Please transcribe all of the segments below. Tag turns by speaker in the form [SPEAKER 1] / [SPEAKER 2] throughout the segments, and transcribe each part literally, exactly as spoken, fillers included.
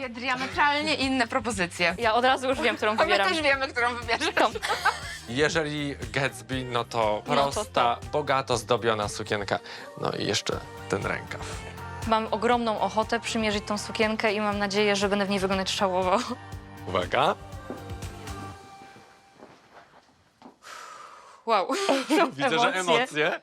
[SPEAKER 1] dwie diametralnie inne propozycje.
[SPEAKER 2] Ja od razu już wiem, którą
[SPEAKER 1] A my
[SPEAKER 2] wybieram.
[SPEAKER 1] też wiemy, którą wybierzesz.
[SPEAKER 2] Tą.
[SPEAKER 3] Jeżeli Gatsby, no to
[SPEAKER 2] No to
[SPEAKER 3] prosta, bogato zdobiona sukienka. No i jeszcze ten rękaw.
[SPEAKER 2] Mam ogromną ochotę przymierzyć tą sukienkę i mam nadzieję, że będę w niej wyglądać szałowo.
[SPEAKER 3] Uwaga.
[SPEAKER 2] Wow.
[SPEAKER 3] Widzę, że emocje.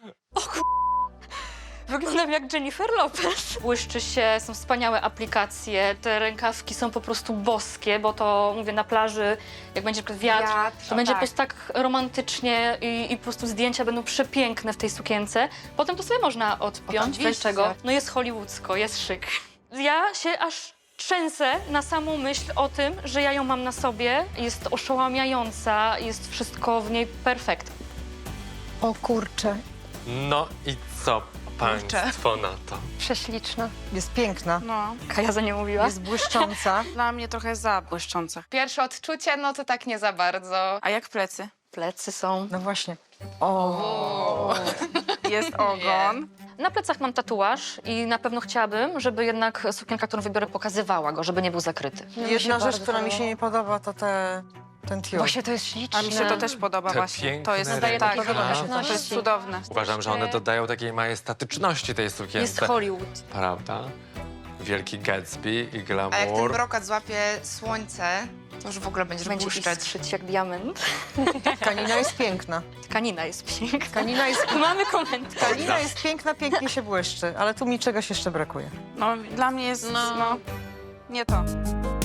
[SPEAKER 2] Wyglądam jak Jennifer Lopez. Błyszczy się, są wspaniałe aplikacje, te rękawki są po prostu boskie, bo to, mówię, na plaży, jak będzie na przykład wiatr,
[SPEAKER 1] Wiatr,
[SPEAKER 2] to będzie
[SPEAKER 1] tak.
[SPEAKER 2] po prostu tak romantycznie i, i po prostu zdjęcia będą przepiękne w tej sukience. Potem to sobie można odpiąć,
[SPEAKER 1] Oczywiście.
[SPEAKER 2] bez czego. No jest hollywoodzko, jest szyk. Ja się aż trzęsę na samą myśl o tym, że ja ją mam na sobie. Jest oszałamiająca, jest wszystko w niej perfekt.
[SPEAKER 4] O kurczę,
[SPEAKER 3] No i co państwo na to?
[SPEAKER 5] Prześliczna.
[SPEAKER 4] jest piękna,
[SPEAKER 5] No,
[SPEAKER 2] Kaja za nie mówiła.
[SPEAKER 4] jest błyszcząca.
[SPEAKER 5] dla mnie trochę za błyszcząca.
[SPEAKER 1] Pierwsze odczucie, no to tak nie za bardzo.
[SPEAKER 5] A jak plecy?
[SPEAKER 2] Plecy są.
[SPEAKER 4] No właśnie. O,
[SPEAKER 5] Jest ogon.
[SPEAKER 2] Na plecach mam tatuaż i na pewno chciałabym, żeby jednak sukienka, którą wybiorę, pokazywała go, żeby nie był zakryty.
[SPEAKER 4] jedna rzecz, która mi się nie podoba, to te, ten tiul.
[SPEAKER 2] Właśnie to jest śliczne.
[SPEAKER 5] A mi się to też podoba
[SPEAKER 3] Te
[SPEAKER 5] właśnie.
[SPEAKER 3] piękne
[SPEAKER 5] To jest
[SPEAKER 2] Nadaje
[SPEAKER 5] tak,
[SPEAKER 2] takiej
[SPEAKER 3] rękawy.
[SPEAKER 5] to jest cudowne.
[SPEAKER 3] Uważam, że one dodają takiej majestatyczności tej
[SPEAKER 2] Jest
[SPEAKER 3] sukience.
[SPEAKER 2] Hollywood.
[SPEAKER 3] Prawda? Wielki Gatsby i
[SPEAKER 1] A jak ten
[SPEAKER 3] glamour.
[SPEAKER 1] brokat złapie słońce, to już w ogóle będziesz
[SPEAKER 2] Będzie
[SPEAKER 1] błyszczeć.
[SPEAKER 2] istrzyć jak diament.
[SPEAKER 4] Tkanina jest piękna.
[SPEAKER 2] Tkanina jest piękna.
[SPEAKER 4] Tkanina jest,
[SPEAKER 2] Mamy komentarz.
[SPEAKER 4] tkanina jest piękna, pięknie się błyszczy, ale tu mi czegoś jeszcze brakuje.
[SPEAKER 5] No, dla mnie jest, no, nie to.